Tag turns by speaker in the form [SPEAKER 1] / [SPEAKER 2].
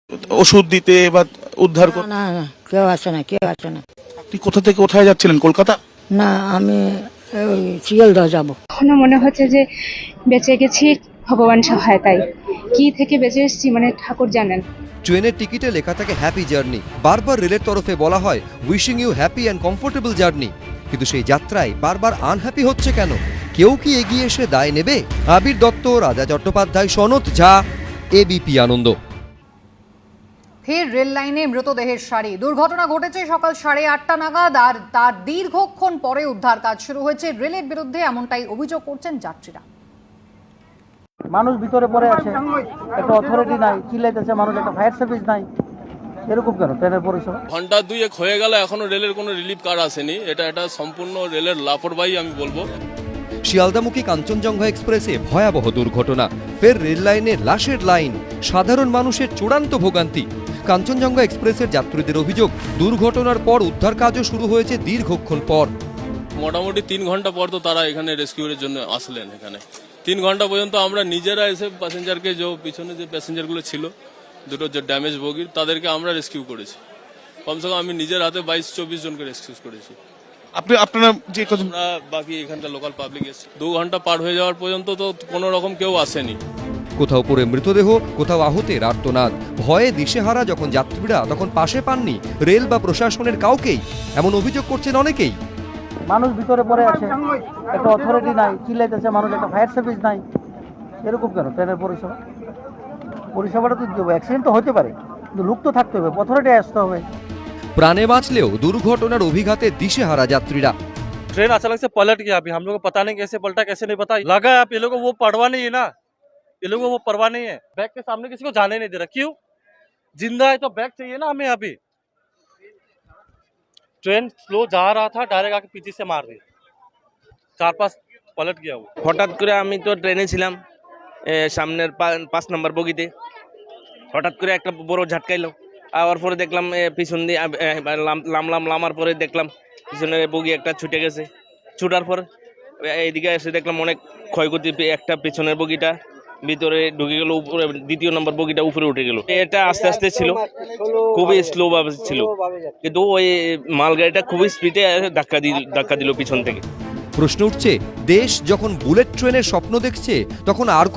[SPEAKER 1] ওষুধ দিতে বা উদ্ধার
[SPEAKER 2] না না না, কেউ আসে না, কেউ আসে না।
[SPEAKER 1] আপনি কোথা থেকে কোথায় যাচ্ছিলেন? কলকাতা?
[SPEAKER 2] না, আমি ওই শিয়ালদহ যাব।
[SPEAKER 3] এখনো মনে হচ্ছে যে বেঁচে গেছি ভগবান সহায়তায়। কি থেকে বেঁচে এসেছি মানে ঠাকুর জানেন।
[SPEAKER 4] ট্রেনের টিকিটে লেখা থাকে হ্যাপি জার্নি। বারবার রেলের তরফে বলা হয় wishing you happy and comfortable journey, কিন্তু সেই যাত্রায় বারবার আনহ্যাপি হচ্ছে কেন? কেউ কি এগিয়ে এসে দায় নেবে? আবির দত্ত, রাজা চট্টোপাধ্যায়, সনৎ ঝা, এবিপি আনন্দ।
[SPEAKER 5] ফের রেল লাইনে মৃতদেহের সারি। দুর্ঘটনা ঘটেছে সকাল 8:30 নাগাদ, আর তার দীর্ঘক্ষণ পরে উদ্ধার কাজ শুরু হয়েছে। রেলের বিরুদ্ধে এমনটাই অভিযোগ করছেন যাত্রীরা।
[SPEAKER 6] মানুষ ভিতরে পড়ে আছে, একটা অথরিটি নাই, চিল্লাইতেছে মানুষ, একটা ফায়ার সার্ভিস নাই, এরকম কেন ট্রেনের পরিষেবা?
[SPEAKER 7] ঘন্টা দুয়েক হয়ে গেল, এখনো রেলের কোনো রিলিফ কার আসেনি। এটা সম্পূর্ণ রেলের লাপরবাহি আমি বলবো।
[SPEAKER 4] শিয়ালদামুখী কাঞ্চনজঙ্ঘা এক্সপ্রেসে ভয়াবহ দুর্ঘটনা। ফের রেল লাইনে লাশের লাইন, সাধারণ মানুষের চূড়ান্ত ভোগান্তি। কাঞ্চনজঙ্ঘা এক্সপ্রেসের যাত্রীদের অভিযোগ, দুর্ঘটনার পর উদ্ধার কাজও শুরু হয়েছে দীর্ঘক্ষণ পর।
[SPEAKER 7] মোটামুটি 3 ঘন্টা পর তো তারা এখানে রেস্কিউরের জন্য আসলেন। এখানে 3 ঘন্টা পর্যন্ত আমরা নিজেরা এসে প্যাসেঞ্জারকে, যে পিছনে যে প্যাসেঞ্জারগুলো ছিল দুটো যে ড্যামেজ বগির, তাদেরকে আমরা রেস্কিউ করেছি। কমসে কম আমি নিজের হাতে 22-24 জনকে রেস্কিউ করেছি।
[SPEAKER 1] আপনারা যে
[SPEAKER 7] আমরা বাকি এখানকার লোকাল পাবলিক এসেছি। 2 ঘন্টা পার হয়ে যাওয়ার পর্যন্ত তো কোনো রকম কেউ আসেনি।
[SPEAKER 4] কোথাও পড়ে মৃতদেহ, কোথাও আহতের আর্তনাদ। ভয়ে দিশেহারা যখন যাত্রীরা, তখন পাশে পাননি রেল বা প্রশাসনের কাউকেই, এমন অভিযোগ করছেন অনেকেই।
[SPEAKER 6] মানুষ ভিতরে পড়ে আছে, একটা অথরিটি নাই, চিল্লাইতেছে মানুষ, একটা ফায়ার সার্ভিস নাই, এরকম কেন ট্রেনের পরিষেবা? পরিষেবাটা তো দিতে হবে, অ্যাক্সিডেন্ট তো হতে পারে, কিন্তু লোক তো থাকতে হবে, অথরিটি আসতে হবে।
[SPEAKER 4] প্রাণে বাঁচলেও দুর্ঘটনার অভিঘাতে দিশেহারা যাত্রীরা।
[SPEAKER 8] ट्रेन अचानक से पलट गया। अभी हम लोग को पता नहीं कैसे पलटा, कैसे नहीं पता लगा है। आप ये लोग को वो परवाह नहीं है ना, ये लोगों को वो परवाह नहीं है। बैग के सामने किसी को जाने नहीं दे रहा। क्यों? जिंदा है तो बैग चाहिए ना हमें। अभी ट्रेन स्लो जा रहा था, डायरेक्ट आके पीछे से मार दी, 4-5 पलट गया वो।
[SPEAKER 9] হঠাৎ করে আমি তো ট্রেনে ছিলাম, সামনের 5 নম্বর বগিতে। হঠাৎ করে একটা বড় ঝাটকাইলো, আবার পরে দেখলাম পিছন দিয়ে লামার পরে দেখলাম পিছনের বগি একটা ছুটে গেছে। ছুটার পর এইদিকে এসে দেখলাম অনেক ক্ষয়ক্ষতি। একটা পিছনের বগিটা ভিতরে ঢুকে গেল, উপরে 2 নম্বর বগিটা উপরে উঠে গেল। এটা আস্তে আস্তে ছিল, খুবই স্লো ভাবে ছিল, কিন্তু ওই মালগাড়িটা খুবই স্পিডে ধাক্কা দিল পিছন থেকে।
[SPEAKER 4] প্রশ্ন উঠছে, দেশ যখন বুলেট ট্রেনের স্বপ্ন দেখছে, তখন আর